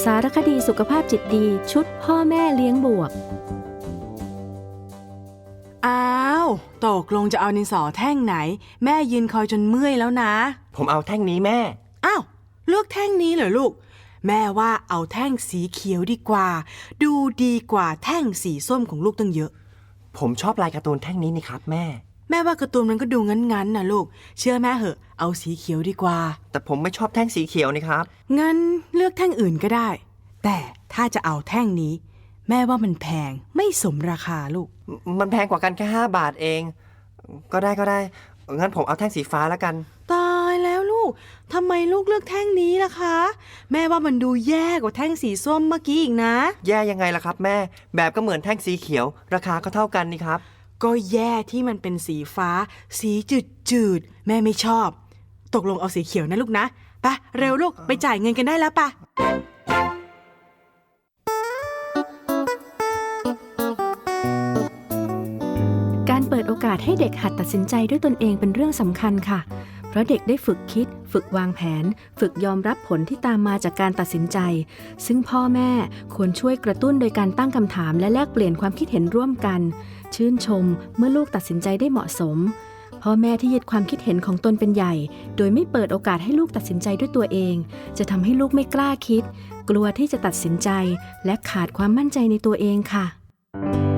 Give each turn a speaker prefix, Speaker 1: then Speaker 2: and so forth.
Speaker 1: สารคดีสุขภาพจิตดีชุดพ่อแม่เลี้ยงบวก
Speaker 2: อ้าวตกลงจะเอาดินสอแท่งไหนแม่ยืนคอยจนเมื่อยแล้วนะ
Speaker 3: ผมเอาแท่งนี้แม่
Speaker 2: อ้าวเลือกแท่งนี้เหรอลูกแม่ว่าเอาแท่งสีเขียวดีกว่าดูดีกว่าแท่งสีส้มของลูกตั้งเยอะ
Speaker 3: ผมชอบลายการ์ตูนแท่งนี้นี่ครับแม่
Speaker 2: ว่าการ์ตูนมันก็ดูงั้นนะลูกเชื่อแม่เหอะเอาสีเขียวดีกว่า
Speaker 3: แต่ผมไม่ชอบแท่งสีเขียวนี่ครับ
Speaker 2: งั้นเลือกแท่งอื่นก็ได้แต่ถ้าจะเอาแท่งนี้แม่ว่ามันแพงไม่สมราคาลูก
Speaker 3: มันแพงกว่ากันแค่5 บาทเองก็ได้งั้นผมเอาแท่งสีฟ้าแล้วกัน
Speaker 2: ตายแล้วลูกทำไมลูกเลือกแท่งนี้ล่ะคะแม่ว่ามันดูแย่กว่าแท่งสีส้มเมื่อกี้อีกนะ
Speaker 3: แย่ยังไงล่ะครับแม่แบบก็เหมือนแท่งสีเขียวราคาก็เท่ากันนี่ครับ
Speaker 2: ก็แย่ที่มันเป็นสีฟ้าสีจืดแม่ไม่ชอบตกลงเอาสีเขียวนะลูกนะไปเร็วลูกไปจ่ายเงินกันได้แล้วปะ
Speaker 1: การเปิดโอกาสให้เด็กหัดตัดสินใจด้วยตนเองเป็นเรื่องสำคัญค่ะเพราะเด็กได้ฝึกคิดฝึกวางแผนฝึกยอมรับผลที่ตามมาจากการตัดสินใจซึ่งพ่อแม่ควรช่วยกระตุ้นโดยการตั้งคำถามและแลกเปลี่ยนความคิดเห็นร่วมกันชื่นชมเมื่อลูกตัดสินใจได้เหมาะสมพ่อแม่ที่ยึดความคิดเห็นของตนเป็นใหญ่โดยไม่เปิดโอกาสให้ลูกตัดสินใจด้วยตัวเองจะทำให้ลูกไม่กล้าคิดกลัวที่จะตัดสินใจและขาดความมั่นใจในตัวเองค่ะ